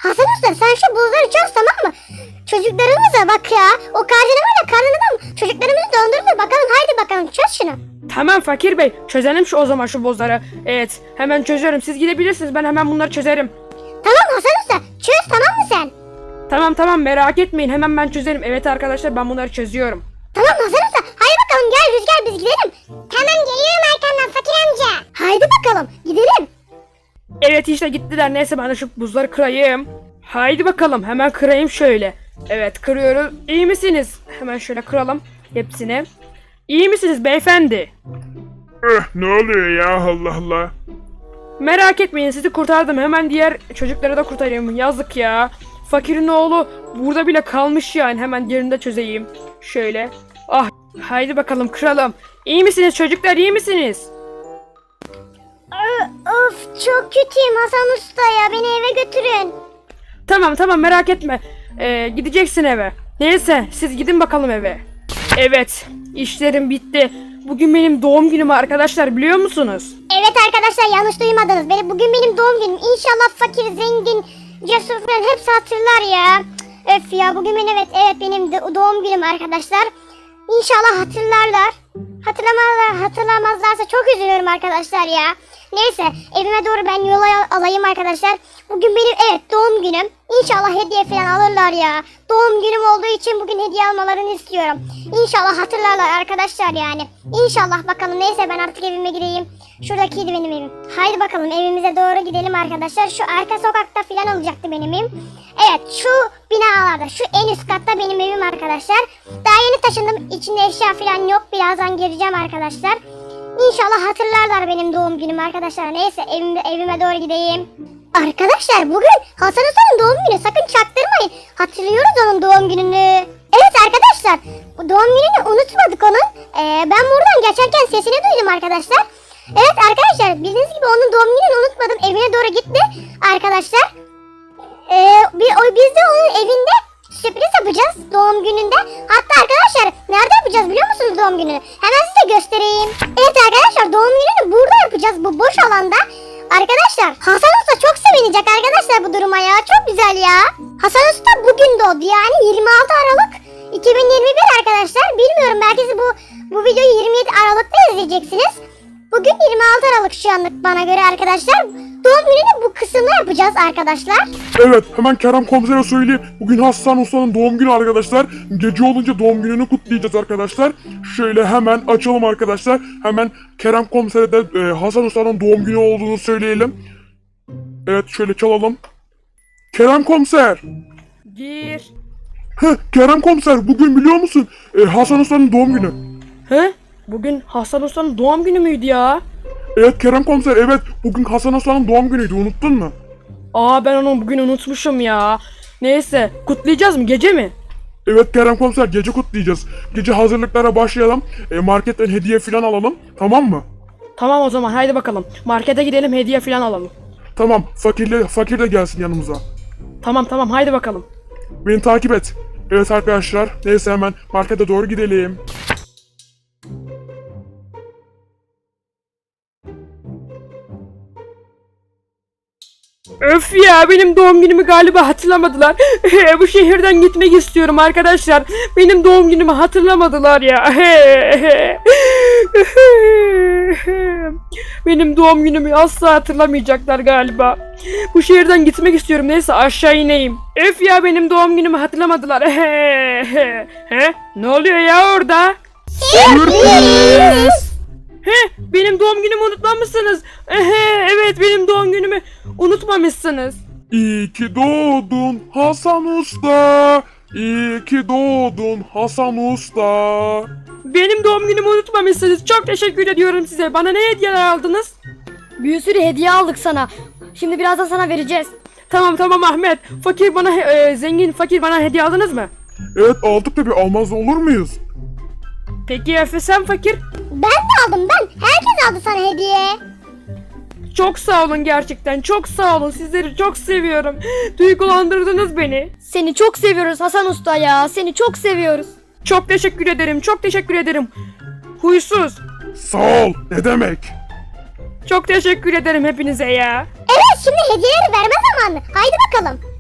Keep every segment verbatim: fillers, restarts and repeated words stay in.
Hasan Usta sen şu buzları çöz, tamam mı? Çocuklarımıza bak ya. O karnına var ya, karnına da çocuklarımızı döndürdü. Bakalım, haydi bakalım çöz şunu. Tamam Fakir Bey, çözelim şu o zaman şu bozları. Evet, hemen çözüyorum. Siz gidebilirsiniz, ben hemen bunları çözerim. Tamam Hasan Usta, çöz, tamam mı sen? Tamam tamam, merak etmeyin, hemen ben çözerim. Evet arkadaşlar, ben bunları çözüyorum. Tamam Hasan Usta, haydi bakalım gel Rüzgar, biz gidelim. Tamam, geliyorum arkandan Fakir amca. Haydi bakalım gidelim. Evet işte gittiler. Neyse ben de şu buzları kırayım. Haydi bakalım, hemen kırayım şöyle. Evet, kırıyoruz. İyi misiniz? Hemen şöyle kıralım hepsini. İyi misiniz beyefendi? Eh, ne oluyor ya, Allah Allah. Merak etmeyin, sizi kurtardım. Hemen diğer çocukları da kurtarayım. Yazık ya. Fakirin oğlu burada bile kalmış yani. Hemen diğerini de çözeyim. Şöyle. Ah, haydi bakalım kıralım. İyi misiniz çocuklar, iyi misiniz? Of, çok kötüyüm Hasan Usta ya, beni eve götürün. Tamam tamam, merak etme. Ee, gideceksin eve. Neyse, siz gidin bakalım eve. Evet, işlerim bitti. Bugün benim doğum günüm arkadaşlar, biliyor musunuz? Evet arkadaşlar, yanlış duymadınız. Beni, bugün benim doğum günüm. İnşallah fakir, zengin, cesur falan hepsi hatırlar ya. Cık, öf ya, bugün benim, evet evet benim de- doğum günüm arkadaşlar. İnşallah hatırlarlar. Hatırlamazlar, hatırlamazlarsa çok üzülüyorum arkadaşlar ya. Neyse, evime doğru ben yola alayım arkadaşlar. Bugün benim, evet, doğum günüm. İnşallah hediye falan alırlar ya. Doğum günüm olduğu için bugün hediye almalarını istiyorum. İnşallah hatırlarlar arkadaşlar yani. İnşallah bakalım. Neyse, ben artık evime gideyim. Şuradakiydi benim evim. Haydi bakalım evimize doğru gidelim arkadaşlar. Şu arka sokakta falan olacaktı benim evim. Evet, şu binalarda, şu en üst katta benim evim arkadaşlar. Daha yeni taşındım. İçinde eşya falan yok. Birazdan gireceğim arkadaşlar. İnşallah hatırlarlar benim doğum günümü arkadaşlar. Neyse, evime, evime doğru gideyim. Arkadaşlar, bugün Hasan Usta'nın doğum günü. Sakın çaktırmayın. Hatırlıyoruz onun doğum gününü. Evet arkadaşlar, bu doğum gününü unutmadık onun. Ee, ben buradan geçerken sesini duydum arkadaşlar. Evet arkadaşlar, bildiğiniz gibi onun doğum gününü unutmadım. Evine doğru gitti arkadaşlar. Ee, bir, o, biz de onun evinde sürpriz yapacağız doğum gününde. Hatta arkadaşlar, nerede yapacağız biliyor musunuz doğum gününü? Hemen size göstereyim. Evet arkadaşlar, doğum gününü burada yapacağız, bu boş alanda. Arkadaşlar, Hasan Usta çok sevinecek arkadaşlar bu duruma ya. Çok güzel ya. Hasan Usta bugün doğdu, yani yirmi altı Aralık iki bin yirmi bir arkadaşlar. Bilmiyorum, belki siz bu bu videoyu yirmi yedi Aralık'ta izleyeceksiniz. Bugün yirmi altı Aralık şu anlık bana göre arkadaşlar. Doğum gününü bu kısımda yapacağız arkadaşlar. Evet, hemen Kerem komisere söyleyeyim. Bugün Hasan Usta'nın doğum günü arkadaşlar. Gece olunca doğum gününü kutlayacağız arkadaşlar. Şöyle hemen açalım arkadaşlar. Hemen Kerem komisere de e, Hasan Usta'nın doğum günü olduğunu söyleyelim. Evet, şöyle çalalım. Kerem komiser. Gir. Heh, Kerem komiser, bugün biliyor musun? E, Hasan Usta'nın doğum günü. He? Bugün Hasan Usta'nın doğum günü müydü ya? Evet Kerem komiser, evet. Bugün Hasan Usta'nın doğum günüydü, unuttun mu? Aa, ben onu bugün unutmuşum ya. Neyse, kutlayacağız mı, gece mi? Evet Kerem komiser, gece kutlayacağız. Gece hazırlıklara başlayalım. E, marketten hediye falan alalım. Tamam mı? Tamam o zaman, haydi bakalım. Markete gidelim, hediye falan alalım. Tamam, fakirle, fakir de gelsin yanımıza. Tamam tamam, haydi bakalım. Beni takip et. Evet arkadaşlar, neyse hemen markete doğru gidelim. Öf ya, benim doğum günümü galiba hatırlamadılar. Bu şehirden gitmek istiyorum arkadaşlar. Benim doğum günümü hatırlamadılar ya. Benim doğum günümü asla hatırlamayacaklar galiba. Bu şehirden gitmek istiyorum. Neyse, aşağı ineyim. Öf ya, benim doğum günümü hatırlamadılar. He? Ne oluyor ya orada? Sürpriz. He, benim doğum günümü unutmamışsınız. Ehe, evet, benim doğum günümü unutmamışsınız. İyi ki doğdun Hasan Usta. İyi ki doğdun Hasan Usta. Benim doğum günümü unutmamışsınız. Çok teşekkür ediyorum size. Bana ne hediyeler aldınız? Bir sürü hediye aldık sana. Şimdi birazdan sana vereceğiz. Tamam tamam Ahmet. Fakir bana he- e, zengin fakir bana hediye aldınız mı? Evet aldık tabi, almaz olur muyuz? Peki Efe, sen fakir? Ben de aldım, ben. Herkes aldı sana hediye. Çok sağ olun gerçekten. Çok sağ olun. Sizleri çok seviyorum. Duygulandırdınız beni. Seni çok seviyoruz Hasan Usta ya. Seni çok seviyoruz. Çok teşekkür ederim. Çok teşekkür ederim. Huysuz. Sağ ol, ne demek? Çok teşekkür ederim hepinize ya. Evet, şimdi hediyeleri verme zamanı. Haydi bakalım.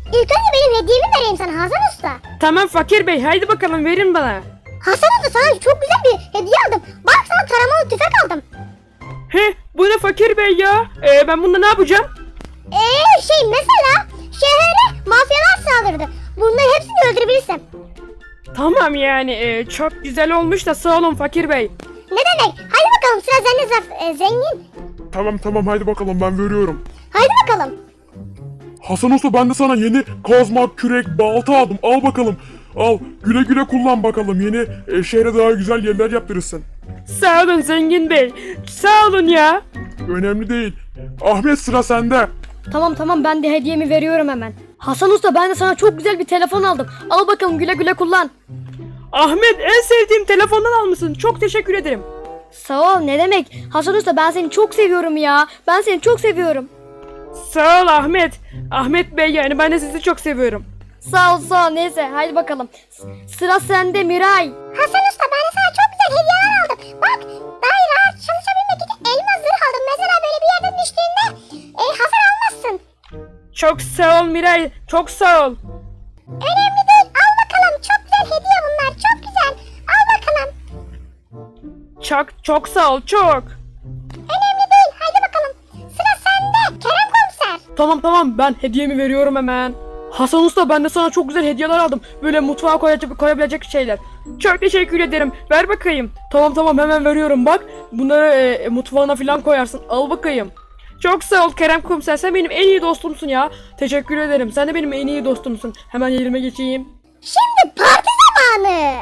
İlk önce benim hediyemi vereyim sana Hasan Usta. Tamam Fakir Bey, haydi bakalım verin bana. Hasan Usta sana çok güzel bir hediye aldım. Bak sana taramalı tüfek aldım. He, bu ne Fakir Bey ya? Ee, ben bununla ne yapacağım? Eee şey mesela şehre mafyalar saldırdı. Bunların hepsini öldürebilirsin. Tamam yani e, çok güzel olmuş da sağ olun Fakir Bey. Ne demek? Hadi bakalım sıra sende Zaf- e, zengin. Tamam tamam haydi bakalım ben veriyorum. Hadi bakalım. Hasan Usta ben de sana yeni kazma, kürek, balta aldım. Al bakalım. Al güle güle kullan bakalım. Yeni e, şehre daha güzel yerler yaptırırsın. Sağ olun Zengin Bey. Sağ olun ya. Önemli değil. Ahmet sıra sende. Tamam tamam ben de hediyemi veriyorum hemen. Hasan Usta ben de sana çok güzel bir telefon aldım. Al bakalım güle güle kullan. Ahmet en sevdiğim telefondan almışsın. Çok teşekkür ederim. Sağ ol ne demek. Hasan Usta ben seni çok seviyorum ya. Ben seni çok seviyorum. Sağ ol Ahmet. Ahmet Bey yani ben de sizi çok seviyorum. Sağ ol sağ ol neyse haydi bakalım. S- Sıra sende Miray. Hasan Usta ben de sana çok güzel hediyeler aldım. Bak daha rahat çalışabilmek için elma zırh aldım. Mesela böyle bir yerden düştüğünde e, hasar almazsın. Çok sağ ol Miray. Çok sağ ol. Önemli değil. Al bakalım. Çok güzel hediye bunlar. Çok güzel. Al bakalım. Çok çok sağ ol. Çok. Önemli değil. Haydi bakalım. Sıra sende. Kerem komiser. Tamam tamam ben hediyemi veriyorum hemen. Hasan Usta ben de sana çok güzel hediyeler aldım. Böyle mutfağa koyacak, koyabilecek şeyler. Çok teşekkür ederim. Ver bakayım. Tamam tamam hemen veriyorum bak. Bunları e, mutfağına falan koyarsın. Al bakayım. Çok sağ ol Kerem Komiser. Sen benim en iyi dostumsun ya. Teşekkür ederim. Sen de benim en iyi dostumsun. Hemen yerime geçeyim. Şimdi parti zamanı.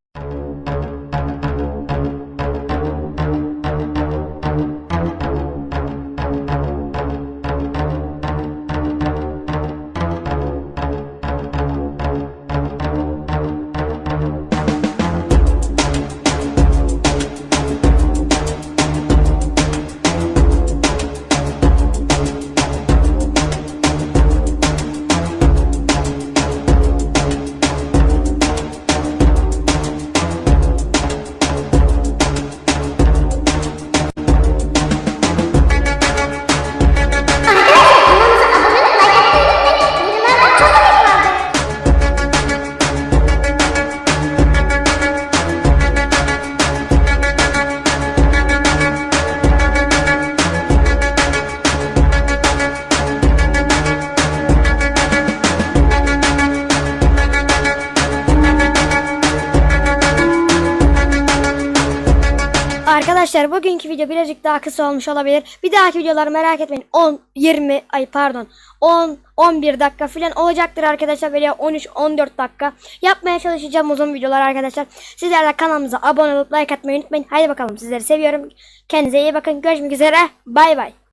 Arkadaşlar bugünkü video birazcık daha kısa olmuş olabilir. Bir dahaki videoları merak etmeyin. on, yirmi, ay pardon. on, on bir dakika falan olacaktır arkadaşlar. Veya on üç, on dört dakika. Yapmaya çalışacağım uzun videolar arkadaşlar. Sizler de kanalımıza abone olup like atmayı unutmayın. Haydi bakalım sizleri seviyorum. Kendinize iyi bakın. Görüşmek üzere. Bay bay.